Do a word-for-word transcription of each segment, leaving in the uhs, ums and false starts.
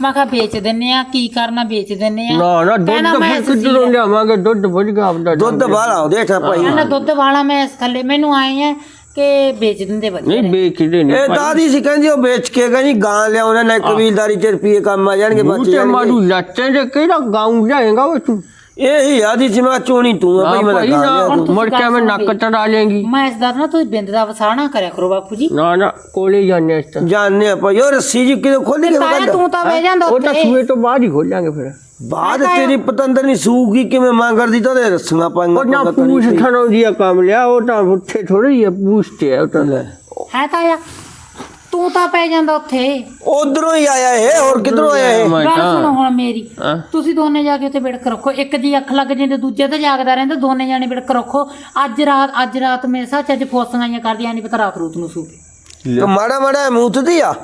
मैं कहा बेच दिन्ने आ की करना बेच दिन्ने आ ना ना दुध फिर किधरों लियावांगे दुध बुझ गया आपदा ਦੁੱਧ ਵਾਲਾ ਉਹਦੇ ਠਾ ਭਾਈ कहना दुध वाला मैं थले मैनू आए हैं कि बेच दिंदे बच्चे नहीं बेचदे नहीं ਇਹ ਦਾਦੀ ਸੀ ਕਹਿੰਦੀ ਉਹ ਵੇਚ ਕੇ ਗਈ ਗਾਂ ਲਿਆਉਣਾ ਨਾ ਕਬੀਲਦਾਰੀ ਚ ਰੁਪਏ ਕੰਮ ਆ ਜਾਣਗੇ ਬੱਚੇ ਬੂਟੇ ਮਾਰੂ ਲੱਟੇ ਦੇ ਕਿਹੜਾ ਗਾਉਂ ਜਾਏਗਾ ਉਹ ਤੂੰ ਇਹੀ ਆਦੀ ਸੀ ਮੈਂ ਚੋਣੀ ਤੂੰ ਆ ਭਾਈ ਮੈਂ ਗਾਂ ਲਿਆ ਮੁੜ ਕੇ ਮੈਂ ਨੱਕ ਚੜਾ ਲੇਂਗੀ मैं इस दर ना तू बिंद दा वसाना करया करो बापू जी ਨਾ ਨਾ ਕੋਲੇ ਜਾਣੇ ਇਸ ਤਾਂ ਜਾਣਨੇ ਆ ਭਾਈ ਉਹ ਰੱਸੀ ਜੀ ਕਿਦੋਂ ਖੋਲੀ ਕੇ ताया तू तो वे जांदा ਉਹ ਤਾਂ उत्थे ਸੂਏ ਤੋਂ ਬਾਅਦ ਹੀ ਖੋਲਾਂਗੇ ਫਿਰ ਬਾਅਦ ਤੇਰੀ ਪਤੰਦਰ ਨਹੀਂ ਸੂਗੀ ਕਿਵੇਂ ਮੰਗਰਦੀ ਤਾਂ ਉਹਦੇ ਰੱਸੀਆਂ ਪਾਈਆਂ ਉਹ ਨਾ ਪੂਛ ਥਣੋਂ ਦੀ ਕੰਮ ਲਿਆ ਉਹ ਤਾਂ ਉੱਥੇ ਥੋੜੀ ਹੈ ਪੂਛ ਤੇ ਉਹ ਤਾਂ है ताया तू तो पै जांदा उत्थे ਉਧਰੋਂ ਹੀ ਆਇਆ ਇਹ ਹੋਰ ਕਿਧਰੋਂ ਆਇਆ ਇਹ ਗੱਲ ਸੁਣੋ ਹੁਣ ਮੇਰੀ ਹਾਂ। ਤੁਸੀਂ ਦੋਨੇ ਜਾ ਕੇ ਉੱਥੇ ਵਿੜਕ ਰੱਖੋ ਇੱਕ ਦੀ ਅੱਖ ਲੱਗ ਜਾਂਦੀ ਦੂਜੇ ਤੇ ਜਾਗਦਾ ਰਹਿੰਦਾ ਦੋਨੇ ਜਾਣੇ ਵਿੜਕ ਰੱਖੋ ਅੱਜ ਰਾਤ ਅੱਜ ਰਾਤ ਮੇਰੇ ਸਾਹ ਚ ਅੱਜ ਫੋਸਾਂ ਕਰਦੀਆਂ ਨਹੀਂ ਪਤਾ ਰਾਤ ਰੂਤ ਨੂੰ ਸੂ ਤੇ ਮਾੜਾ ਮਾੜਾ ਮੂਤਦੀ ਆ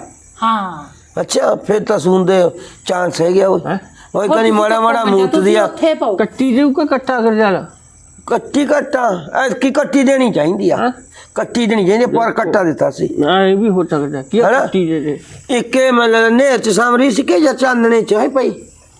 ਹਾਂ ਅੱਛਾ ਫਿਰ ਤਾਂ ਸੁਣਦੇ ਚਾਂਸ ਹੈ ਗਿਆ ਉਹ ਉਹ ਕਹਿੰਦੀ ਮਾੜਾ ਮਾੜਾ ਮੂਤਦੀ ਆ ਉੱਥੇ ਪਾਓ ਕੱਟੀ ਦੇਉ ਕਿ ਇਕੱਠਾ ਕਰ ਜਾਣਾ ਕੱਟੀ ਕੱਟਾ ਐਤਕੀ ਕੱਟੀ ਦੇਣੀ ਚਾਹੀਦੀ ਆ ਕੱਟੀ ਦੇਣੀ ਚਾਹੀਦੀ ਪਰ ਕੱਟਾ ਦਿੱਤਾ ਸੀ ਹਾਂ ਇਹ ਵੀ ਹੋ ਸਕਦਾ ਕੀ ਹੈਨਾ? ਕੱਟੀ ਦੇ ਦੇ ਇੱਕੇ ਮਤਲਬ ਨੇਰ ਚ ਸਾਮਰੀ ਸੀ ਕਿ ਜਾਂ ਚਾਨਣੇ ਚ ਹੈ ਭਾਈ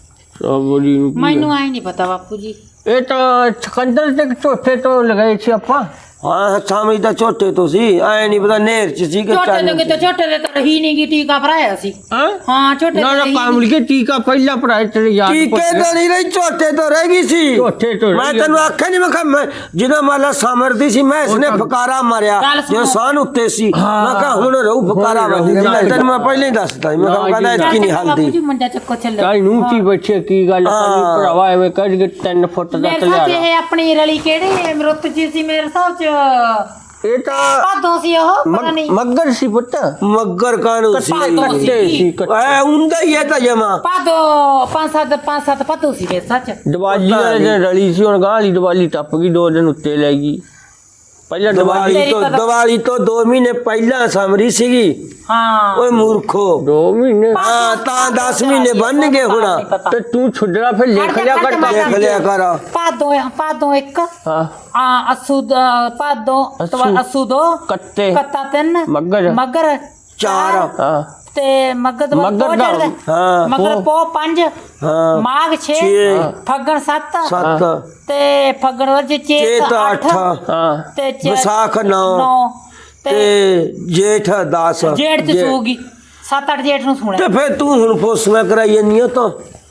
ਸੋਬੜੀ ਨੂੰ ਕੀ ਮੈਨੂੰ ਆਈ ਨਹੀਂ ਪਤਾ ਬਾਪੂ ਜੀ ਇਹ ਤਾਂ ਸਕੰਦਰ ਤੇ ਝੋਟੇ ਤੋਂ ਲਗਾਏ ਸੀ ਆਪਾਂ ਹਾਂ ਸਾਮਰੀ ਤਾਂ ਛੋਟੇ ਤੋਂ ਸੀ ਐ ਨਹੀਂ ਪਤਾ ਨੇਰ ਚ ਸੀ ਕਿ ਝੋਟੇ ਦੇ ਚਾਨਣੇ ਕਿਤੇ ਝੋਟੇ ਦੇ ਤਾਂ ਰਹੀ ਨਹੀਂ ਗੀ ਟੀਕਾ ਭਰਾਇਆ ਸੀ ਹਾਂ ਹਾਂ ਝੋਟੇ ਨਾ ਤੇ ਨਾ ਰਹੀ ਕਾਮਲ ਕੇ ਟੀਕਾ ਪਹਿਲਾਂ ਪੜਾਏ ਤੇ ਯਾਦ ਟੀਕੇ ਤਾਂ ਨਹੀਂ ਰਹੀ ਝੋਟੇ ਤੋਂ ਰਹਿ ਗਈ ਸੀ ਝੋਟੇ ਤੋਂ ਮੈਂ ਤੈਨੂੰ ਆਖਿਆ ਨਹੀਂ ਮੈਂ ਕਿਹਾ ਮੈਂ ਜਦੋਂ ਮਾਲਾ ਸਮਰਦੀ ਸੀ ਮੈਂ ਇਸਨੇ ਫਕਾਰਾ ਮਾਰਿਆ ਗੱਲ ਸੁਣੋ। ਜੋ ਸਾਨ ਉੱਤੇ ਸੀ ਮੈਂ ਕਿਹਾ ਹੁਣ ਰਹੂ ਫਕਾਰਾ ਹੁਣ ਵੱਜ ਰਹੂ। ਗਿਆ ਤੈਨੂੰ ਮੈਂ ਪਹਿਲਾਂ ਹੀ ਦੱਸਦਾ ਸੀ। ਮੈਂ ਕਿਹਾ ਕਹਿੰਦਾ ਇਤਕੀ ਨਹੀਂ ਬਾਪੂ ਹਲਦੀ ਜੀ ਮੰਡਾ ਚੱਕੋ ਚੱਲੋ ਕਾਈ ਨੂੰ ਕੀ ਬੱਚੇ ਕੀ ਗੱਲ ਕਰੀ ਹਾਂ। ਭਰਾਵਾ ਐਵੇਂ ਕੱਢ ਕੇ ਤਿੰਨ ਫੁੱਟ ਦਾ ਮੇਰੇ ਸਾਹ ਚ ਤਲਿਆ ਇਹ ਆਪਣੀ ਰਲੀ ਕਿਹੜੀ ਮਰੁੱਤ ਜੀ ਸੀ ਮੇਰੇ ਸਾਹ ਚ ਇਹ ਤਾਂ ਭਾਦੋਂ ਸੀ ਉਹ ਪਤਾ ਨਹੀਂ ਮੱਗਰ ਸੀ ਪੁੱਤ ਮੱਗਰ ਕਾਨੂੰ ਸੀ ਭਾਦੋਂ ਕੱਟੇ ਸੀ ਸੀ ਕੱਟੇ ਐ ਹੁੰਦਾ ਹੀ ਹੈ ਤਾਂ ਜਮਾ ਭਾਦੋਂ ਪੰਜ ਸੱਤ ਪੰਜ ਸੱਤ ਭਾਦੋਂ ਸੀ ਮੇਰੇ ਸਾਹ ਚ ਦੀਵਾਲੀ ਵਾਲੇ ਦਿਨ ਰਲੀ ਸੀ ਹੁਣ ਗਾਂ ਵਾਲੀ ਦੀਵਾਲੀ ਟੱਪ ਗਈ ਦੋ ਦਿਨ ਉੱਤੇ ਲੈ ਗਈ ਪਹਿਲਾਂ ਦੀਵਾਲੀ ਦੀਵਾਲੀ ਤੋਂ ਦੀਵਾਲੀ ਤੋਂ ਦੋ ਮਹੀਨੇ ਪਹਿਲਾਂ ਸਮਰੀ ਸੀਗੀ ਹਾਂ ਓਏ ਮੂਰਖੋ ਦੋ ਮਹੀਨੇ ਹਾਂ ਤਾਂ ਦਸ ਮਹੀਨੇ ਬਣ ਗਏ ਹੁਣ ਤੇ ਤੂੰ ਛੁੱਡਣਾ ਫਿਰ ਲਿਖ ਲਿਆ ਕਰ ਦੇਖ ਲਿਆ ਕਰ ਭਾਦੋਂ ਭਾਦੋਂ ਇੱਕ ਹਾਂ ਆ ਅਸੂ ਦ- ਭਾਦੋਂ ਅੱਸੂ। ਅਸੂ ਦੋ ਕੱਤੇ ਕੱਤਾ ਤਿੰਨ ਮੱਗਰ ਮਗਰ ਚਾਰ ਹਾਂ ਤੇ ਮਗਰ ਤੋਂ ਮੱਘਰ ਪੋ ਦਾ। ਚੜਦਾ ਹਾਂ ਮਗਰ ਪੋ ਪੰਜ ਹਾਂ ਮਾਘ ਛੇ ਛੇ ਫੱਗਣ ਸੱਤ ਸੱਤ ਤੇ ਫੱਗਣ ਵਰਜ ਚੇਤ ਚੇਤ ਅੱਠ ਅੱਠ ਹਾਂ ਤੇ ਚੇ- ਵਿਸਾਖ ਨੌ ਨੌ ਤੇ ਤੇ ਜੇਠ ਦਸ ਜੇਠ ਚ ਸੂਗੀ ਸੱਤ ਅੱਠ ਜੇਠ ਨੂੰ ਤੇ ਸੁਣਿਆ ਫਿਰ ਤੂੰ ਹੁਣ ਫੋਸਲਾ ਕਰਾਈ ਜੰਨੀ ਤਾਂ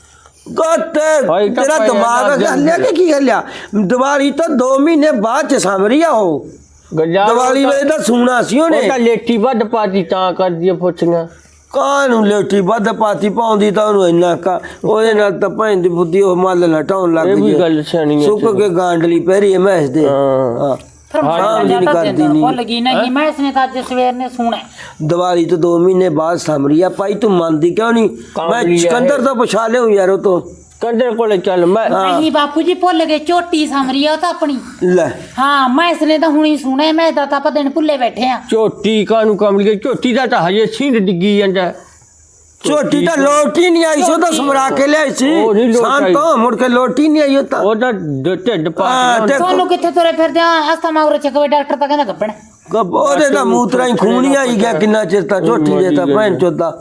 ਗੱਤੇ ਭਾਈ ਤਾਂ ਤੇਰਾ ਭਾਈ ਦਿਮਾਗ ਇਹਦਾ ਗੱਲਿਆ ਕਿ ਕੀ ਗੱਲਿਆ ਦੀਵਾਲੀ ਤੋਂ ਦੋ ਮਹੀਨੇ ਬਾਅਦ ਚ ਸਮਰੀ ਆ ਉਹ ਗੱਜਾ ਦੀਵਾਲੀ ਵੇਲੇ ਤਾਂ ਸੁਣਾ ਸੀ ਉਹ ਉਹਨੇ ਤਾਂ ਲੇਟੀ ਵੱਧ ਪਾਤੀ ਤਾਂ ਕਰਦੀ ਪੁੱਛੀਆਂ ਕਾਹਨੂੰ ਲੇਟੀ ਵੱਧ ਪਾਤੀ ਪਾਉਂਦੀ ਤਾਂ ਉਹਨੂੰ ਇੰਨਾ ਕਾ ਉਹਦੇ ਨਾਲ ਤਾਂ ਭੈਣ ਦੀ ਬੁੱਧੀ ਉਹ ਮੱਲ ਲਟਾਉਣ ਲੱਗ ਇਹ ਵੀ ਗਈ ਗੱਲ ਸਿਆਣੀ ਹੈ ਸੁੱਕ ਕੇ ਗਾਂਡਲੀ ਪਹਿਰੀ ਮੈਂ ਇਸ ਦੇ ਹਾਂ। ਹਾਂ ਫਿਰ ਹਾਂ, ਮੈਂ ਜੀ ਤਾਂ ਕਰਦੀ ਦਿੰਦਾ ਨਹੀਂ। ਭੁੱਲ ਗਈ ਨਹੀਂ ਮੈਂ ਇਸਨੇ ਤਾਂ ਅੱਜ ਸਵੇਰ ਨੇ ਸੁਣਿਆ ਦੀਵਾਲੀ ਤੋਂ ਦੋ ਮਹੀਨੇ ਬਾਅਦ ਸਮਰੀ ਆ ਭਾਈ ਤੂੰ ਮੰਨਦੀ ਕਿਉਂ ਨਹੀਂ ਕਾਮਲੀ ਮੈਂ ਆ ਇਹ। ਸਿਕੰਦਰ ਤੋਂ ਪੁੱਛਾ ਲਿਓ ਯਾਰ ਉਹ ਤੋਂ ਕੰਦਰ ਕੋਲੇ ਚੱਲ ਮੈਂ ਨਹੀਂ ਬਾਪੂ ਜੀ ਭੁੱਲ ਗਏ ਝੋਟੀ ਸਮਰੀ ਆ ਉਹ ਤਾਂ ਆਪਣੀ ਲੈ ਹਾਂ ਮੈਂ ਇਸਨੇ ਤਾਂ ਹੁਣੀ ਸੁਣਿਆ ਮੈਂ ਤਾਂ ਆਪਾਂ ਦਿਨ ਭੁੱਲੇ ਬੈਠੇ ਆ ਝੋਟੀ ਕਾਨੂੰ ਕਮਲ ਕੇ ਝੋਟੀ ਦਾ ਤਾਂ ਹਜੇ ਸਿੰਧ ਡਿੱਗੀ ਜਾਂਦਾ ਛੋਟੀ ਤਾਂ ਲੋਟੀ ਨਹੀਂ ਆਈ ਸੀ ਉਹ ਤਾਂ ਸਮਰਾ ਕੇ ਲਿਆਈ ਸੀ ਉਹ ਨਹੀਂ ਲੋਟ ਸ਼ਾਮ ਆਈ। ਤੋਂ ਮੁੜ ਕੇ ਲੋਟੀ ਨਹੀਂ ਆਈ ਉਹ ਤਾਂ ਉਹ ਤਾਂ ਢ- ਢਿੱਡ ਹਾਂ, ਪਾ ਤੇ- ਤੁਹਾਨੂੰ ਕਿੱਥੇ ਤੁਰੇ ਫਿਰਦੇ ਆ ਹਸਤਾ ਮਾਗਰ ਚੱਕਵੇ ਡਾਕਟਰ ਤਾਂ ਕਹਿੰਦਾ ਗੱਬਣ ਗੱਬ- ਉਹਦੇ ਤਾਂ ਮੂਤਰਾ ਹੀ ਖੂਨ ਹੀ ਆਈ ਗਿਆ ਕਿੰਨਾ ਚਿਰ ਤਾਂ ਝੋਟੀ ਦੇ ਤਾਂ ਭੈਣ ਚੋਦਾ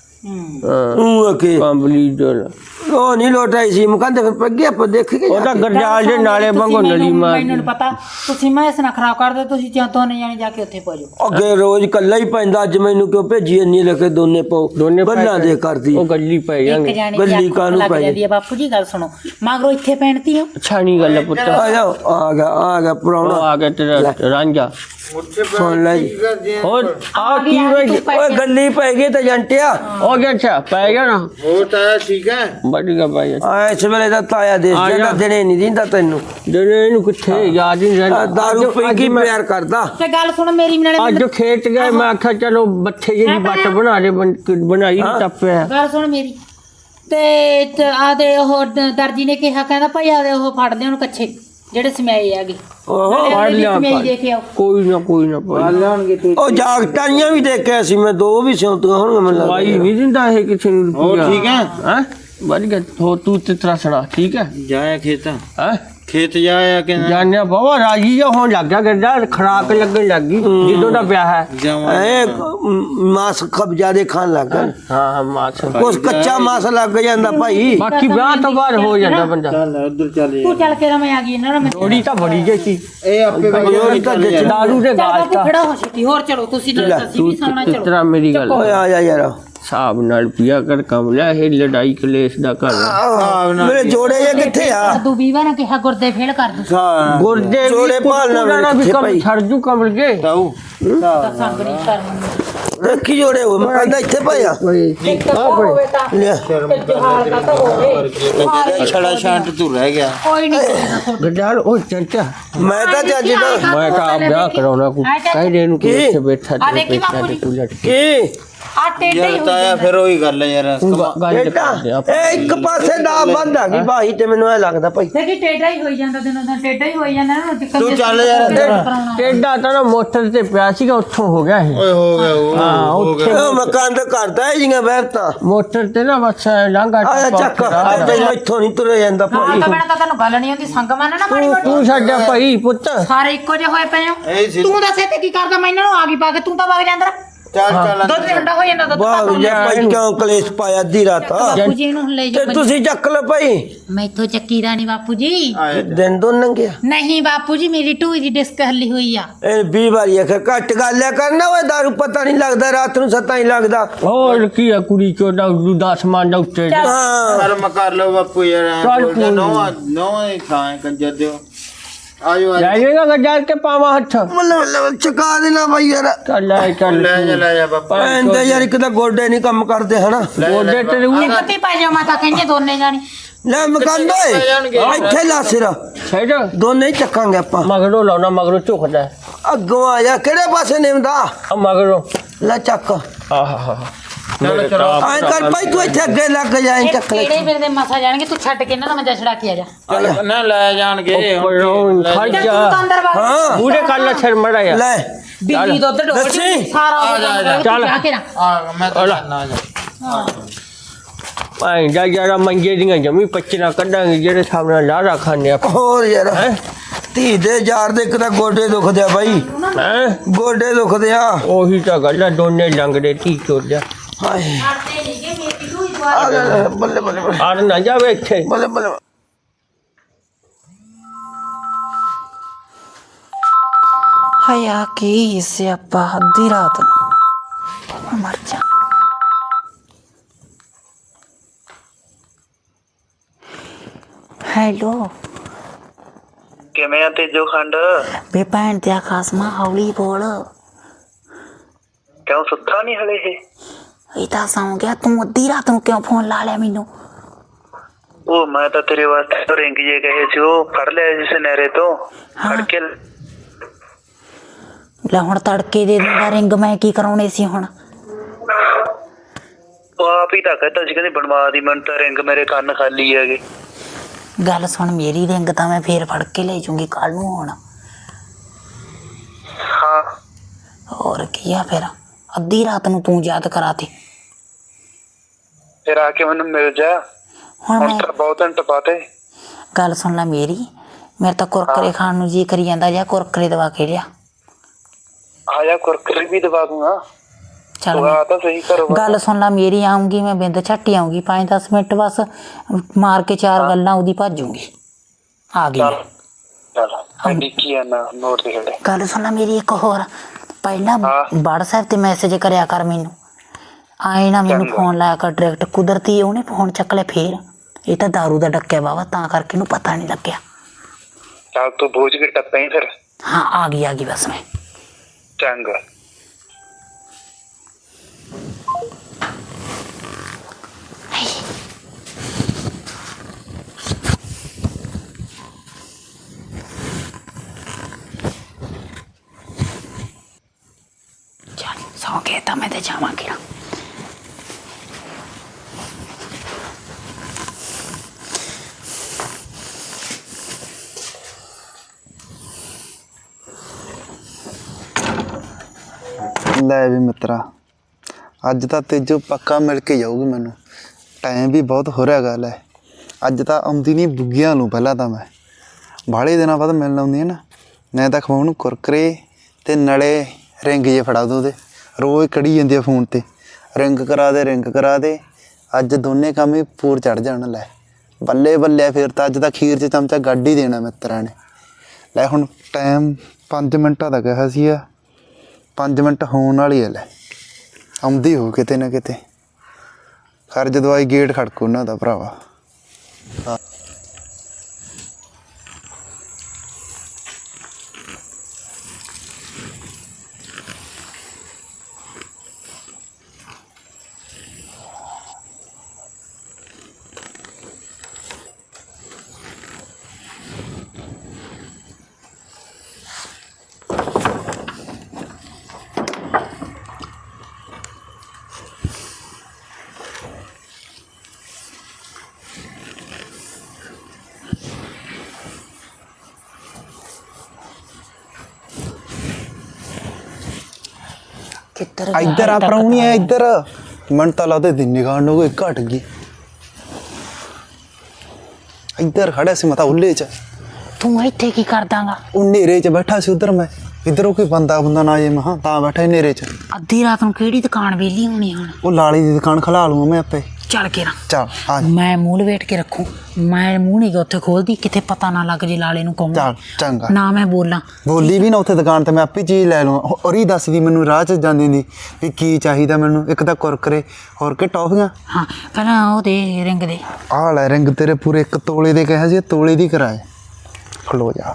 ਉਹ ਅਕੇ ਕੰਬਲੀ ਡੋਲ ਉਹ ਨਹੀਂ ਲੋਟਾਈ ਸੀ ਮੁਕੰਦੇ ਫਿਰ ਪੱਗੇ ਆਪਾਂ ਦੇਖ ਕੇ ਉਹ ਤਾਂ ਗਰਜਾਲ ਦੇ ਨਾਲੇ ਵਾਂਗੂ ਨਲੀ ਮਾਰ ਮੈਨੂੰ ਨੀ ਪਤਾ ਤੁਸੀਂ ਮੈਂ ਇਸ ਨਾਲ ਖਰਾਬ ਕਰਦੇ ਤੁਸੀਂ ਜਾਂ ਦੋਨੇ ਜਾਣੇ ਜਾ ਕੇ ਉੱਥੇ ਪਹੁੰਚ ਜਾਓ ਅੱਗੇ ਰੋਜ਼ ਕੱਲਾ ਹੀ ਪੈਂਦਾ ਅੱਜ ਮੈਨੂੰ ਕਿਉਂ ਭੇਜੀ ਇੰਨੀ ਲੈ ਕੇ ਦੋਨੇ ਪਾਉ ਦੋਨੇ ਪੈ ਬੱਲਾਂ ਗਏ। ਦੇ ਕਰਦੀ ਉਹ ਗੱਲੀ ਪੈ ਇੱਕ ਜਾਂਗੇ ਜਾਣੇ ਗੱਲੀ ਦੀ ਅੱਖ ਕਾਹਨੂੰ ਲੱਗ ਪੈ ਜਾਂਦੀ ਹੈ ਬਾਪੂ ਜੀ ਗੱਲ ਸੁਣੋ ਮਗਰੋਂ ਇੱਥੇ ਪੈਣਤੀ ਹੋ ਅੱਛਾ ਨਹੀਂ ਗੱਲ ਹੈ ਪੁੱਤ ਆ ਜਾ ਆ ਗਿਆ ਆ ਗਿਆ ਉਹ ਪ੍ਰਾਹੁਣਾ ਆ ਗਿਆ ਤੇਰਾ ਰਾਂਝਾ ਸੁਣ ਲੈ ਜੀ ਹੋਰ ਆ ਕੀ ਆ ਵੇ ਗਈ, ਤੂੰ ਓਏ ਗੱਲੀ ਪੈ ਗਈ ਤੇ ਜੰਟਿਆ ਹੋ ਗਿਆ ਅੱਛਾ ਪੈ ਗਿਆ ਨਾ ਹੋਰ ਤਾਇਆ ਠੀਕ ਹੈ ਵਧੀਆ ਭਾਈ ਆ ਇਸ ਵੇਲੇ ਦਾ ਤਾਇਆ ਦੇਸ਼ ਆ ਜਿਹੜਾ ਜਾ। ਦਿਨੇ ਨਹੀਂ ਦਿੰਦਾ ਤੈਨੂੰ ਜਿਹੜੇ ਇਹਨੂੰ ਕਿੱਥੇ ਯਾਦ ਹੀ ਨਹੀਂ ਆ ਰਹਿੰਦਾ ਦਾਰੂ ਅੱਜ- ਪੀ ਅੱਜ ਕੇ ਮੈਂ- ਪਿਆਰ ਕਰਦਾ ਤੇ ਗੱਲ ਸੁਣ ਮੇਰੀ ਨਾਲੇ ਅੱਜ ਖੇਤ ਗਏ ਮੈਂ ਆਖਿਆ ਚਲੋ ਬੱਠੇ ਜਿਹੀ ਬੱਟ ਬਣਾ ਦੇ ਬਣ- ਬਣਾਈ ਨੀ ਟੱਪਿਆ ਗੱਲ ਸੁਣ ਮੇਰੀ ਤੇ ਆਦੇ ਉਹ ਦ- ਦਰਜੀ ਨੇ ਕਿਹਾ ਕਹਿੰਦਾ ਭਾਈ ਆਦੇ ਉਹ ਫੜ ਲਿਆ ਉਹਨੂੰ ਕੱਛੇ ਜਿਹੜੇ ਸਮਿਆਏ ਆਗੇ ਓਹੋ ਫੜ ਲਿਆ ਸਮਿਆਈ ਦੇ ਕੇ ਆਓ ਕੋਈ ਨਾ ਕੋਈ ਨਾ ਭਾਈ ਉਹ ਜਾਗਟਾਈਆਂ ਵੀ ਦੇਖਿਆ ਸੀ ਮੈਂ ਦੋ ਵੀ ਸਿਉਂਤੀਆਂ ਹੋਣਗੀਆਂ ਮੈਨੂੰ ਲੱਗਦਾ ਭਾਈ ਨਹੀਂ ਦਿੰਦਾ ਇਹ ਕਿਸੇ ਨੂੰ ਹੋਰ ਠੀਕ ਹੈ ਹਾਂ ਵਧੀਆ ਹੋ ਤੂੰ ਤੇ ਤੇਰਾ ਸੁਣਾ ਠੀਕ ਹੈ ਜਾਇਆ ਖੇਤ ਹੈ ਖੇਤ ਜਾਇਆ ਕਿ ਜਾਣਿਆ ਬਾਬਾ ਰਾਜੀ ਜਿਹਾ ਹੋਣ ਲੱਗ ਗਿਆ ਗੱਡਾ ਖਰਾਕ ਲੱਗਣ ਲੱਗ ਗਈ ਜਦੋਂ ਦਾ ਵਿਆਹ ਹੈ ਜਾਵਾਂ ਐ ਮਾਸ ਖਬ ਜਿਆਦੇ ਖਾਣ ਲੱਗ ਗਿਆ ਹਾਂ ਹਾਂ ਮਾਸ ਕੁਛ ਕੱਚਾ ਮਾਸ ਲੱਗ ਜਾਂਦਾ ਭਾਈ ਬਾਕੀ ਵਿਆਹ ਤੋਂ ਬਾਅਦ ਹੋ ਜਾਂਦਾ ਬੰਦਾ ਚੱਲ ਉਧਰ ਚੱਲ ਤੂੰ ਚੱਲ ਕੇ ਮੈਂ ਆ ਗਈ ਇਹਨਾਂ ਨਾਲ ਮੈਂ ਥੋੜੀ ਤਾਂ ਬੜੀ ਜੇ ਸੀ ਇਹ ਆਪੇ ਹੋਰ ਤਾਂ ਜੱਜ ਦਾਰੂ ਦੇ ਚੱਲ ਗਾਲ ਬਾਪੂ ਤਾਂ ਖੜਾ ਹੋ ਛੇਤੀ ਹੋਰ ਚਲੋ ਤੁਸੀਂ ਨਾਲ ਅਸੀਂ ਤੂੰ ਵੀ ਸੌਣਾ ਇਸ ਚਲੋ ਤਰ੍ਹਾਂ ਮੇਰੀ ਗੱਲ ਓਏ ਆ ਜਾ ਯਾਰ ਹਿਸਾਬ ਨਾਲ ਪਿਆ ਕਰ ਕਮਲਾ ਇਹ ਲੜਾਈ ਕਲੇਸ਼ ਦਾ ਘਰ ਹੈ। ਮੇਰੇ ਜੋੜੇ ਇਹ ਕਿੱਥੇ ਆ ਤੂੰ ਵੀਵਾ ਨੇ ਕਿਹਾ ਗੁਰਦੇ ਫੇਲ ਕਰ ਦੂ ਗੁਰਦੇ ਜੋੜੇ ਭਾਲਣਾ ਵੀ ਕਿੱਥੇ ਕੰਮ ਭਾਈ? ਛੱਡ ਜੂ ਕਮਲ ਕੇ ਤਾऊ ਤਾਂ ਸੰਗ ਨਹੀਂ ਕਰਨੀ ਰੱਖੀ ਜੋੜੇ ਹੋ ਮੈਂ ਕਹਿੰਦਾ ਇੱਥੇ ਭਾਈ ਆ ਇੱਕ ਤਾਂ ਹੋਵੇ ਤਾਂ ਲਿਆ ਜਹਾਲ ਦਾ ਤਾਂ ਹੋਵੇ ਛੜਾ ਛਾਂਟ ਤੂੰ ਰਹਿ ਗਿਆ ਕੋਈ ਨਹੀਂ ਗੱਡਾਲ ਉਹ ਚੰਚਾ ਮੈਂ ਤਾਂ ਜੱਜ ਦਾ ਮੈਂ ਤਾਂ ਆਪ ਵਿਆਹ ਕਰਾਉਣਾ ਕੋ ਕਹਿ ਦੇ ਨੂੰ ਕਿ ਕੀ? ਇੱਥੇ ਬੈਠਾ ਆ ਤੇ ਦੇਖੀ ਬੈਠਾ ਬਾਪੂ ਤੇ ਜੀ। ਤੂੰ ਲਟ ਕੀ ਆ ਟੇਢੇ ਹੀ ਯਾਰ ਹੋ ਤਾਇਆ ਫਿਰ ਉਹੀ ਗੱਲ ਹੈ ਯਾਰ ਤੂੰ ਗ- ਗੱਲ ਤੇ ਬੇਟਾ ਕਰਦੇ ਆਪਾਂ ਇਹ ਇੱਕ ਪਾਸੇ ਦਾ ਬੰਦ ਆ ਗਈ ਭਾਈ ਤੇ ਮੈਨੂੰ ਐ ਲੱਗਦਾ ਭਾਈ ਦੇਖੀ ਟੇਢਾ ਹੀ ਹੋਈ ਜਾਂਦਾ ਦਿਨੋਂ ਦਿਨ ਟੇਢਾ ਹੀ ਹੋਈ ਜਾਂਦਾ ਨਾ ਦਿੱਕਤ ਤੂੰ ਚੱਲ ਯਾਰ ਅੰਦਰ। ਟੇਡਾ ਤਾਂ ਨਾ ਮੋਟਰ ਤੇ ਪਿਆ ਸੀਗਾ ਉੱਥੋਂ ਹੋ ਗਿਆ ਇਹ ਓਏ ਹੋ ਗਿਆ ਉਹ ਹਾਂ ਉੱਥੇ ਉਹ ਮਕਾਨ ਤਾਂ ਕਰਦਾ ਹੈ ਜੀਆਂ ਬਹਿਰਤਾ ਮੋਟਰ ਤੇ ਨਾ ਬਸ ਲਾਂਗਾ ਆਇਆ ਚੱਕ ਆਪੇ ਇੱਥੋਂ ਨਹੀਂ ਤੁਰੇ ਜਾਂਦਾ ਹਾਂ ਭਾਈ ਤਾਂ ਬਣਾ ਤਾਂ ਤੈਨੂੰ ਗੱਲ ਨਹੀਂ ਆਉਂਦੀ ਸੰਗ ਮੰਨ ਨਾ ਮਾੜੀ ਤੂੰ ਮੋਟੀ ਤੂੰ ਸਾਡਾ ਭਾਈ ਪੁੱਤ ਸਾਰੇ ਇੱਕੋ ਜਿਹੇ ਹੋਏ ਪਏ ਹੋ ਇਹ ਸੀ ਤੂੰ ਦੱਸੇ ਤੇ ਕੀ ਕਰਦਾ ਮੈਂ ਇਹਨਾਂ ਨੂੰ ਆ ਗਈ ਪਾ ਕੇ ਤੂੰ ਤਾਂ ਵਗ ਜਾਂਦਾ ਚੱਲ ਚੱਲ ਦੁੱਧ ਠੰਡਾ ਹੋ ਜਾਂਦਾ ਦੁੱਧ ਵਾਹ ਪਾ ਯਾ ਭਾਈ ਕਿਉਂ ਕਲੇਸ਼ ਪਾਇਆ ਅੱਧੀ ਰਾਤ ਬਾਪੂ ਜੀ ਨੂੰ ਲੈ ਤੇ ਜਾ ਤੁਸੀਂ ਚੱਕ ਲਓ ਭਾਈ ਮੈਥੋਂ ਚੱਕੀ ਦਾ ਨਹੀਂ ਬਾਪੂ ਜੀ ਆਏ ਦਿਨ ਦੋ ਨੰਗਿਆ ਨਹੀਂ ਬਾਪੂ ਜੀ ਮੇਰੀ ਢੂਈ ਦੀ ਡਿਸਕ ਹੱਲੀ ਹੋਈ ਆ ਇਹ ਵੀਹ ਵਾਰੀ ਆਖਿਆ ਘੱਟ ਗੱਲ ਆ ਕਰਨਾ ਓਏ ਦਾਰੂ ਪਤਾ ਨਹੀਂ ਲੱਗਦਾ ਰਾਤ ਨੂੰ ਸੱਤਾਂ ਹੀ ਲੱਗਦਾ ਹੋਰ ਕੀ ਆ ਕੁੜੀ ਚੋਦਾ ਉਦੋਂ ਦਸ ਮਾਂ ਦਾ ਉੱਤੇ ਹਾਂ ਚੱਲ ਮੈਂ ਕਰ ਲਓ ਬਾਪੂ ਯਾਰ ਚੱਲ ਕੋਈ ਨੋ ਨੋ ਹੀ ਖਾਏ ਕੰਜਰ ਦਿਓ ਆਜੋ ਲੈ ਆਜੋ ਜਾਏਗਾ ਗੱਜਾਰ ਕੇ ਪਾਵਾ ਹੱਥ ਮੱਲੇ ਮੱਲੇ ਚਕਾ ਦੇਣਾ ਭਾਈ ਯਾਰ ਚੱਲ ਲੈ ਚੱਲ ਲੈ ਜਾ ਲੈ ਜਾ ਬਾਪਾ ਐਂਦੇ ਯਾਰ ਇੱਕ ਤਾਂ ਗੋਡੇ ਨਹੀਂ ਕੰਮ ਕਰਦੇ ਹਨਾ ਗੋਡੇ ਤੇ ਉਹ ਇੱਕ ਤੇ ਪੈ ਜਾ ਮਾਤਾ ਕਹਿੰਦੇ ਦੋਨੇ ਜਾਣੀ ਲੈ ਮਕਾਨ ਦੋਏ ਇੱਥੇ ਲਾ ਸਿਰ ਛੇੜ ਦੋਨੇ ਹੀ ਚੱਕਾਂਗੇ ਆਪਾਂ ਮਗਰੋਂ ਲਾਉਣਾ ਮਗਰੋਂ ਝੁਕਦਾ ਅੱਗੋਂ ਆ ਜਾ ਕਿਹੜੇ ਪਾਸੇ ਨਿਮਦਾ ਆ ਮਗਰੋਂ ਲੈ ਚੱਕ ਆਹਾ ਚਲੋ ਚਲੋ ਐ ਕਰ ਭਾਈ ਤੂੰ ਇੱਥੇ ਅੱਗੇ ਲੱਗ ਜਾ ਐਂ ਚੱਕ ਲੈ ਕਿਹੜੇ ਮੇਰੇ ਦੇ ਮਸਾ ਜਾਣਗੇ ਤੂੰ ਛੱਡ ਕੇ ਇਹਨਾਂ ਦਾ ਮੰਜਾ ਛੜਾ ਕੇ ਆ ਜਾ ਚੱਲ ਨਾ ਲੈ ਜਾਣਗੇ ਉੱਪਰੋਂ ਖੜ ਚੱਲ ਜਾ ਤੂੰ ਤਾਂ ਅੰਦਰ ਵਗ ਹਾਂ ਮੂਰੇ ਕਰ ਲੈ ਸਿਰ ਮੜਾ ਯਾਰ ਲੈ ਬਿੱਲੀ ਦੁੱਧ ਡੋਲ ਦੱਸੀ। ਸਾਰਾ ਆ ਜਾ, ਆ ਜਾ। ਚੱਲ। ਜਾ ਕੇ ਨਾ ਆ ਮੈਂ ਤਾਂ ਨਾ ਜਾ ਭਾਈ ਜਾ ਜਰਾ ਮੰਗੇ ਦੀਆਂ ਜਮੀ ਪੱਚੀਆਂ ਕੱਢਾਂਗੇ ਜਿਹੜੇ ਸਾਹਮਣੇ ਲਾਰਾ ਖਾਣੇ ਆਪਾਂ ਹੋਰ ਯਾਰ ਹੈ ਧੀ ਦੇ ਯਾਰ ਦੇ ਇੱਕ ਤਾਂ ਗੋਡੇ ਦੁਖਦੇ ਆ ਬਾਈ ਹੈ ਗੋਡੇ ਦੁਖਦੇ ਆ ਉਹੀ ਤਾਂ ਗੱਲ ਆ ਦੋਨੇ ਲੰਗੜੇ ਤੀ ਚੋਦਿਆ ਹਾਏ ਛੱਡਦੇ ਨਹੀਂ ਕਿ ਮੇਰੀ ਢੂਈ ਦਵਾ ਆ ਲੈ, ਲੈ, ਬੱਲੇ ਬੱਲੇ ਬੱਲੇ ਆੜ ਨਾ ਜਾਵੇ ਇੱਥੇ ਬੱਲੇ ਬੱਲੇ ਹਾਇਆ ਕੀ ਸਿਆਪਾ ਅੱਧੀ ਰਾਤ ਨੂੰ ਮਰ ਜਾ ਹੈਲੋ ਕਿਵੇਂ ਆ ਤੇਜੋ ਖੰਡ ਬੇ ਭੈਣ ਤੇ ਖਾਸਮਾ ਹੌਲੀ ਬੋਲ ਕਿਉਂ ਸੁੱਤਾ ਨਹੀਂ ਹਲੇ ਇਹ ਇਹ ਤਾਂ ਸੌਂ ਗਿਆ ਤੂੰ ਅੱਧੀ ਰਾਤ ਨੂੰ ਕਿਉਂ ਫੋਨ ਲਾ ਲਿਆ ਮੈਨੂੰ ਉਹ ਮੈਂ ਤਾਂ ਤੇਰੇ ਵਾਸਤੇ ਰਿੰਗ ਜੇ ਕਹੇ ਸੀ ਉਹ ਫੜ ਲਿਆ ਜਿਸ ਨਹਿਰੇ ਤੋਂ ਫੜ ਕੇ ਲੈ ਹੁਣ ਤੜਕੇ ਦੇ ਦਿੰਦਾ ਰਿੰਗ ਮੈਂ ਕੀ ਕਰਾਉਣੇ ਸੀ ਹੁਣ ਉਹ ਆਪ ਹੀ ਤਾਂ ਕਹਿੰਦਾ ਸੀ ਕਹਿੰਦੀ ਬਣਵਾ ਦੀ ਮੈਨੂੰ ਤਾਂ ਰਿੰਗ ਮੇਰੇ ਕੰਨ ਖਾਲੀ ਹੈਗੇ ਗੱਲ ਸੁਣ ਮੇਰੀ ਰਿੰਗ ਤਾਂ ਮੈਂ ਫੇਰ ਫੜ ਕੇ ਲੈ ਜੂੰਗੀ ਕੱਲ ਨੂੰ ਹੁਣ ਹਾਂ ਹੋਰ ਕੀ ਆ ਫਿਰ ਅੱਧੀ ਰਾਤ ਨੂੰ ਤੂੰ ਯਾਦ ਕਰਾਤੀ ਫਿਰ ਆ ਕੇ ਮੈਨੂੰ ਮਿਲ ਜਾ ਹੁਣ ਹੁਣ ਮੈਂ ਤਾਂ ਬਹੁਤ ਘੰਟੇ ਬਾਤੇ ਗੱਲ ਸੁਣ ਲੈ ਮੇਰੀ ਮੇਰੇ ਤਾਂ ਕੁਰਕਰੇ ਖਾਣ ਨੂੰ ਜੀ ਕਰੀ ਜਾਂਦਾ ਜਾਂ ਕੁਰਕਰੇ ਦਵਾ ਕੇ ਲਿਆ ਆ ਜਾ ਕੁਰਕਰੀ ਵੀ ਦਵਾ ਦੂੰਗਾ ਚੱਲ ਉਹ ਮੈਂ- ਆ ਤਾਂ ਸਹੀ ਕਰੋ ਗੱਲ ਸੁਣ ਲੈ ਮੇਰੀ ਆਉਂਗੀ ਮੈਂ ਬਿੰਦ ਝੱਟੀ ਆਉਂਗੀ ਪੰਜ ਦਸ ਮਿੰਟ ਬਸ ਮਾਰ ਕੇ ਚਾਰ ਗੱਲਾਂ ਉਹਦੀ ਭੱਜੂਗੀ ਆ ਗਈ ਮੈਂ। ਚੱਲ ਮੈਂ ਡਿੱਕੀ ਆ ਨਾ ਨੋਟ ਦੇ ਖੜੇ ਗੱਲ ਸੁਣ ਲੈ ਮੇਰੀ ਇੱਕ ਹੋਰ ਪਹਿਲਾਂ ਹਾਂ। WhatsApp ਤੇ ਮੈਸੇਜ ਕਰਿਆ ਕਰ ਮੈਨੂੰ ਆਏ ਨਾ ਮੈਨੂੰ ਚੰਗਾ। ਫੋਨ ਲਾਇਆ ਕਰ ਡਾਇਰੈਕਟ ਕੁਦਰਤੀ ਉਹਨੇ ਫੋਨ ਚੱਕ ਲਿਆ ਫੇਰ ਇਹ ਤਾਂ ਦਾਰੂ ਦਾ ਡੱਕਿਆ ਬਾਵਾ ਤਾਂ ਕਰਕੇ ਇਹਨੂੰ ਪਤਾ ਨਹੀਂ ਲੱਗਿਆ ਚੱਲ ਤੂੰ ਬੋਝ ਕੇ ਟੱਪੇ ਫਿਰ ਹਾਂ ਆ ਗਈ ਆ ਗਈ ਬਸ ਮੈਂ ਚੰਗਾ ਚੱਲ ਸੌ ਕੇ ਤਾਂ ਮੈਂ ਤੇ ਜਾਵਾਂਗੀ ਨਾ ਲੈ ਵੀ ਮਿੱਤਰਾ ਅੱਜ ਤਾਂ ਤੇਜੋ ਪੱਕਾ ਮਿਲ ਕੇ ਜਾਊਗੀ ਮੈਨੂੰ ਟਾਈਮ ਵੀ ਬਹੁਤ ਹੋ ਰਿਹਾ ਗੱਲ ਹੈ। ਅੱਜ ਤਾਂ ਆਉਂਦੀ ਨਹੀਂ ਬੁੱਗੀਆਂ ਨੂੰ, ਪਹਿਲਾਂ ਤਾਂ ਮੈਂ ਬਾਹਲੇ ਦਿਨਾਂ ਬਾਅਦ ਮਿਲਣ ਆਉਂਦੀ ਹੈ ਨਾ, ਮੈਂ ਤਾਂ ਖਵਾਉਣ ਨੂੰ ਕੁਰਕਰੇ ਤੇ ਨਾਲੇ ਰਿੰਗ ਜੇ ਫੜਾ ਦੋ ਉਹਦੇ, ਰੋਜ਼ ਕੜੀ ਜਾਂਦੀ ਆ ਫੋਨ ਤੇ, ਰਿੰਗ ਕਰਾ ਦੇ ਰਿੰਗ ਕਰਾ ਦੇ। ਅੱਜ ਦੋਨੇ ਕੰਮ ਹੀ ਪੂਰ ਚੜ ਜਾਣ। ਲੈ ਬੱਲੇ ਬੱਲੇ, ਫਿਰ ਤਾਂ ਅੱਜ ਤਾਂ ਖੀਰ 'ਚ ਚਮਚਾ ਗੱਡ ਹੀ ਦੇਣਾ ਮਿੱਤਰਾਂ ਨੇ। ਲੈ ਹੁਣ ਟਾਈਮ ਪੰਜ ਮਿੰਟਾਂ ਦਾ ਕਿਹਾ ਸੀ ਆ, ਪੰਜ ਮਿੰਟ ਹੋਣ ਵਾਲੀ ਹੈ। ਲੈ ਆਉਂਦੀ ਹੋ ਕਿਤੇ ਨਾ ਕਿਤੇ, ਖਰਜ ਦਵਾਈ ਗੇਟ ਖੜਕੂ ਉਹਨਾਂ ਦਾ ਭਰਾਵਾ। ਇੱਧਰ ਆ ਪ੍ਰਾਹੁਣੀ ਆ, ਇੱਧਰ ਮਨ ਤਾਂ ਲੱਗਦਾ ਦੀ ਨਿਗਾਹ ਨੂੰ ਕੋਈ ਘਟ ਗਈ। ਇੱਧਰ ਖੜਿਆ ਸੀ ਮਤਾ ਉੱਲੇ 'ਚ। ਤੂੰ ਇੱਥੇ ਕੀ ਕਰਦਾਂਗਾ? ਉਹ ਨੇਰੇ 'ਚ ਬੈਠਾ ਸੀ ਉਧਰ ਮੈਂ, ਇੱਧਰੋਂ ਕੋਈ ਬੰਦਾ ਬੰਦਾ ਨਾ ਜੇ ਮਹਾਂ ਤਾਂ ਬੈਠਾ ਨੇਰੇ 'ਚ। ਅੱਧੀ ਰਾਤ ਨੂੰ ਕਿਹੜੀ ਦੁਕਾਨ ਵਿਹਲੀ ਹੋਣੀ ਹੁਣ? ਉਹ ਲਾਲੀ ਦੀ ਦੁਕਾਨ ਖਲਾ ਲੂੰਗਾ ਮੈਂ ਆਪੇ। ਚੱਲ ਕੇ ਨਾ, ਚੱਲ ਆ ਮੈਂ ਮੂੰਹ ਲਵੇਟ ਕੇ ਰੱਖੂ, ਮੈਂ ਮੂੰਹ ਨਹੀਂ ਗਾ ਉੱਥੇ ਖੋਲਦੀ, ਕਿਤੇ ਪਤਾ ਨਾ ਲੱਗ ਜੇ ਲਾਲੇ ਨੂੰ ਕਹੂੰਗਾ। ਚੱਲ ਚੰਗਾ, ਨਾ ਮੈਂ ਬੋਲਾਂ। ਬੋਲੀ ਵੀ ਨਾ ਉੱਥੇ ਦੁਕਾਨ ਤੇ, ਮੈਂ ਆਪੇ ਚੀਜ਼ ਲੈ ਲਵਾਂ। ਔਰ ਹੀ ਦੱਸਦੀ ਮੈਨੂੰ ਰਾਹ 'ਚ ਜਾਂਦੀ ਦੀ ਵੀ ਕੀ ਚਾਹੀਦਾ ਮੈਨੂੰ। ਇੱਕ ਤਾਂ ਕੁਰਕਰੇ, ਹੋਰ ਕਿ ਟੌਫੀਆਂ। ਹਾਂ ਪਹਿਲਾਂ ਉਹ ਦੇ ਰਿੰਗ ਦੇ। ਆਹ ਲੈ ਰਿੰਗ ਤੇਰੇ ਪੂਰੇ ਇੱਕ ਤੋਲੇ ਦੇ ਕਿਹਾ ਸੀ, ਤੋਲੇ ਦੀ ਕਰਾਏ। ਖਲੋ ਜਾ,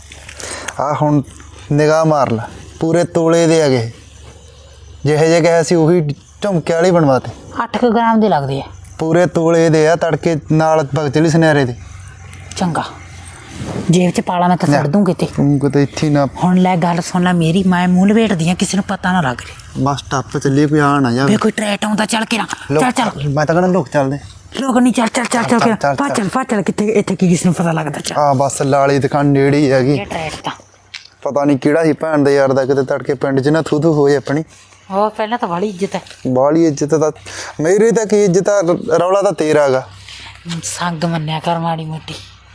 ਆ ਹੁਣ ਨਿਗਾਹ ਮਾਰ ਲੈ, ਪੂਰੇ ਤੋਲੇ ਦੇ ਹੈਗੇ। ਜਿਹੇ ਜਿਹੇ ਕਿਹਾ ਸੀ ਉਹੀ ਝੁਮਕੇ ਵਾਲੀ ਬਣਵਾਤੇ। ਅੱਠ ਕੁ ਗ੍ਰਾਮ ਦੇ ਲੱਗਦੇ ਆ। ਪੂਰੇ ਤੋਲੇ ਦੇ ਆ, ਤੜਕੇ ਨਾਲ ਭਗਤ ਚਲੀ ਸੁਨਿਆਰੇ ਦੇ। ਚੰਗਾ, ਜੇਬ 'ਚ ਪਾਲਾ, ਮੈਂ ਤਾਂ ਛੱਡ ਦੂੰ ਕਿਤੇ। ਤੂੰ ਕਿਤੇ ਇੱਥੇ ਨਾ। ਹੁਣ ਲੈ ਗੱਲ ਸੁਣ ਲੈ ਮੇਰੀ, ਮੈਂ ਮੂੰਹ ਲਵੇਟਦੀ ਆ, ਕਿਸੇ ਨੂੰ ਪਤਾ ਨਾ ਲੱਗ ਜੇ। ਬਸ ਟੱਪ ਚੱਲੀ, ਕੋਈ ਆ ਨਾ ਜਾਵੇ। ਵੇ ਕੋਈ ਟਰੈਟ ਆਉਂਦਾ, ਚੱਲ ਕੇ ਨਾ, ਚੱਲ ਚੱਲ। ਮੈਂ ਤਾਂ ਕਹਿੰਦਾ ਲੋਕ ਚੱਲਦੇ। ਲੋਕ ਨਹੀਂ, ਚੱਲ ਚੱਲ ਚੱਲ ਚੱਲ ਚੱਲ, ਕੇ ਪਾ ਚੱਲ ਪਾ ਚੱਲ। ਕਿੱਥੇ ਇੱਥੇ ਕੀ ਕਿਸੇ ਨੂੰ ਪਤਾ ਲੱਗਦਾ? ਚੱਲ ਆ ਬਸ ਲਾਲੀ ਦੁਕਾਨ ਨੇੜੇ ਹੀ ਹੈਗੀ। ਇਹ ਟਰੈਟ ਤਾਂ ਪਤਾ ਨਹੀਂ ਕਿਹੜਾ ਸੀ ਭੈਣ ਦੇ ਯਾਰ ਦਾ, ਕਿਤੇ ਤੜਕੇ ਪਿੰਡ 'ਚ ਨਾ ਥੂ ਥੂ ਹੋਏ ਆਪਣੀ। ਉਹ ਪਹਿਲਾਂ ਤਾਂ ਬੜੀ ਇੱਜ਼ਤ ਹੈ। ਬਾਹਲੀ ਇੱਜ਼ਤ ਤਾਂ ਮੇਰੀ ਤਾਂ ਕੀ ਇੱਜ਼ਤ ਆ, ਰੌਲਾ ਤਾਂ ਤੇਰਾ ਹੈਗਾ। ਸੰਗ ਮੰਨਿਆ ਕਰ ਮਾੜੀ ਮੋਟੀ।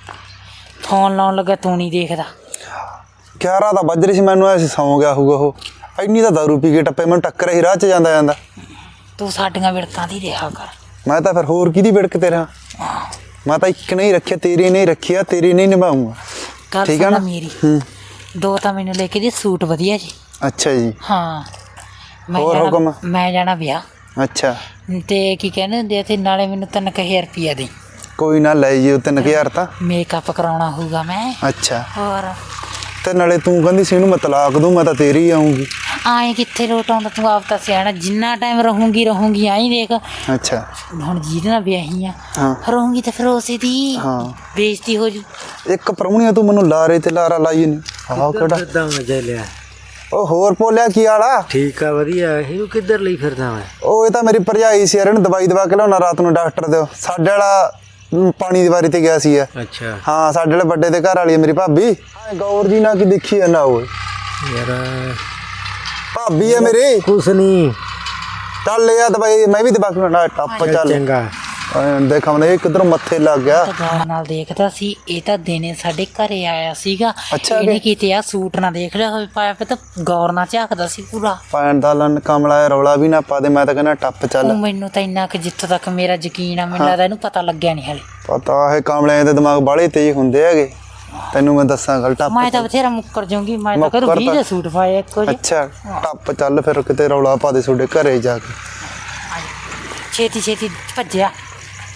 ਫੋਨ ਲਾਉਣ ਲੱਗਾ ਤੂੰ ਨਹੀਂ ਦੇਖਦਾ। ਗਿਆਰਾਂ ਤਾਂ ਵੱਜ ਰਹੀ ਸੀ, ਮੈਨੂੰ ਐ ਸੀ ਸੌਂ ਗਿਆ ਹੋਊਗਾ ਉਹ। ਇੰਨੀ ਤਾਂ ਦਾਰੂ ਪੀ ਕੇ ਟੱਪੇ, ਮੈਨੂੰ ਟੱਕਰ ਹੀ ਰਾਹ 'ਚ ਜਾਂਦਾ ਜਾਂਦਾ। ਤੂੰ ਸਾਡੀਆਂ ਵਿੜਕਾਂ ਦੀ ਰਿਹਾ ਕਰ। ਮੈਂ ਤਾਂ ਫਿਰ ਹੋਰ ਕਿਹਦੀ ਵਿੜਕ ਤੇ ਰਹਾਂ? ਮੈਂ ਤਾਂ ਇੱਕ ਨਹੀਂ ਰੱਖਿਆ, ਤੇਰੀ ਨਹੀਂ ਰੱਖਿਆ, ਤੇਰੀ ਨਹੀਂ ਨਿਭਾਊਂਗਾ। ਗੱਲ ਠੀਕ ਆ ਸੁਣ ਨਾ ਮੇਰੀ, ਹੂੰ। ਦੋ ਤਾਂ ਮੈਨੂੰ ਲੈ ਕੇ ਦੇ ਸੂਟ ਵਧੀਆ ਜੀ। ਅੱਛਾ ਜੀ। ਹਾਂ ਮੈਂ ਹੋਰ ਜਾਣਾ- ਹੁਕਮ? ਮੈਂ ਜਾਣਾ ਵਿਆਹ। ਅੱਛਾ, ਤੇ ਕੀ ਕਹਿੰਦੇ ਹੁੰਦੇ ਤੇ ਨਾਲੇ ਮੈਨੂੰ ਤਿੰਨ ਕੁ ਹਜ਼ਾਰ ਰੁਪਈਆ ਦੇ। ਕੋਈ ਨਾ ਲੈ ਜੀ, ਤਿੰਨ ਕੁ ਹਜ਼ਾਰ ਤਾਂ। ਮੇਕਅਪ ਕਰਾਉਣਾ ਹੋਊਗਾ ਮੈਂ। ਅੱਛਾ, ਹੋਰ ਤੇ ਨਾਲੇ ਤੂੰ ਕਹਿੰਦੀ ਸੀ ਇਹਨੂੰ ਮੈਂ ਤਲਾਕ ਦੂੰ, ਮੈਂ ਤਾਂ ਤੇਰੀ ਆਉਂਗੀ। ਆਏ ਕਿੱਥੇ ਲੋਟ ਆਉਂਦਾ, ਤੂੰ ਆਪ ਤਾਂ ਸਿਆਣਾ। ਜਿੰਨਾ ਟਾਈਮ ਰਹੂੰਗੀ ਰਹੂੰਗੀ ਆਈ ਦੇਖ। ਅੱਛਾ ਹੁਣ ਜਿਹਦੇ ਨਾਲ ਵਿਆਹੀ ਆ ਹਾਂ। ਰਹੂੰਗੀ ਤੇ ਫਿਰ ਉਸੇ ਦੀ ਹਾਂ। ਬੇਇੱਜ਼ਤੀ ਹੋ ਜੂ। ਇੱਕ ਪ੍ਰਾਹੁਣੀਆਂ ਤੂੰ ਮੈਨੂੰ ਲਾਰੇ ਤੇ ਲਾਰਾ ਲਾਈ ਨਹੀਂ। ਆਹ ਕਿਹੜਾ ਕਿੱਦਾਂ ਮਜ਼ਾ ਲਿਆ? ਉਹ ਹੋਰ ਭੋਲਿਆ ਕੀ ਆਲਾ? ਠੀਕ ਆ, ਵਧੀਆ। ਇਹਨੂੰ ਕਿੱਧਰ ਲਈ ਫਿਰਦਾ ਮੈਂ? ਉਹ ਇਹ ਤਾਂ ਮੇਰੀ ਭਰਜਾਈ ਸੀ ਯਾਰ, ਇਹਨੂੰ ਦਵਾਈ ਦਵਾ ਕੇ ਲਿਆਉਣਾ ਰਾਤ ਨੂੰ ਡਾਕਟਰ ਦੇ। ਸਾਡੇ ਵਾਲਾ ਮ, ਪਾਣੀ ਦੀ ਵਾਰੀ ਤੇ ਗਿਆ ਸੀ। ਅੱਛਾ ਹਾਂ, ਸਾਡੇ ਵਾਲੇ ਵੱਡੇ ਦੇ ਘਰ ਵਾਲੀ ਹੈ ਮੇਰੀ ਭਾਬੀ। ਗੌਰ ਜੀ ਨਾ ਕੀ ਦੇਖੀ ਹੈ ਨਾ, ਉਹ ਯਾਰ ਭਾਬੀ ਹੈ ਮੇਰੀ। ਕੁਛ ਨਹੀਂ, ਚੱਲ ਲਿਆ ਦਵਾਈ, ਮੈਂ ਵੀ ਦਵਾ ਕੇ ਲਿਆਉਣਾ। ਟੱਪ ਚੱਲ। ਚੰਗਾ। ਦੇਖਾ ਮੈਂ ਇਹ ਕਿੱਧਰੋਂ ਮੱਥੇ ਲੱਗ ਗਿਆ। ਤਾਂ ਗੌਰ ਨਾਲ ਦੇਖਦਾ ਸੀ। ਇਹ ਤਾਂ ਦਿਨੇ ਸਾਡੇ ਘਰੇ ਆਇਆ ਸੀਗਾ। ਅੱਛਾ ਇਹਨੇ ਜੀ। ਕਿਤੇ ਆ ਸੂਟ ਨਾ ਦੇਖ ਲਿਆ ਹੋਵੇ ਪਾਇਆ, ਫਿਰ ਤਾਂ ਗੌਰ ਨਾਲ ਝਾਕਦਾ ਸੀ ਪੂਰਾ। ਪੈਣ ਦਾ ਲੰਨ ਕਮਲਾ ਰੌਲਾ ਵੀ ਨਾ ਪਾ ਦੇ, ਮੈਂ ਤਾਂ ਕਹਿੰਦਾ ਟੱਪ ਚੱਲ। ਉਹ ਮੈਨੂੰ ਤਾਂ ਇੰਨਾ ਕਿ ਜਿੱਥੋਂ ਤੱਕ ਮੇਰਾ ਯਕੀਨ ਆ, ਮੈਨੂੰ ਲੱਗਦਾ ਇਹਨੂੰ ਪਤਾ ਲੱਗਿਆ ਨਹੀਂ ਹਲੇ। ਪਤਾ ਹੈ ਕਮਲਿਆਂ ਦੇ ਦਿਮਾਗ ਬਾਹਲੇ ਤੇਜ਼ ਹੁੰਦੇ ਹੈਗੇ, ਤੈਨੂੰ ਮੈਂ ਦੱਸਾਂ ਗੱਲ। ਟੱਪ ਮੈਂ ਤਾਂ ਬਥੇਰਾ ਮੁੱਕਰ ਜਾਊਂਗੀ। ਮੈਂ ਤਾਂ ਕਰ ਮੁੱਕਰ ਵੀਹ ਤਾਂ- ਦੇ ਸੂਟ ਪਾਏ ਇੱਕੋ ਜਿਹੇ। ਅੱਛਾ, ਟੱਪ ਚੱਲ ਫਿਰ, ਕਿਤੇ ਰੌਲਾ ਪਾ ਦੇ ਤੁਹਾਡੇ ਘਰੇ ਜਾ ਕੇ। ਛੇਤੀ ਛੇਤੀ ਭੱਜਿਆ।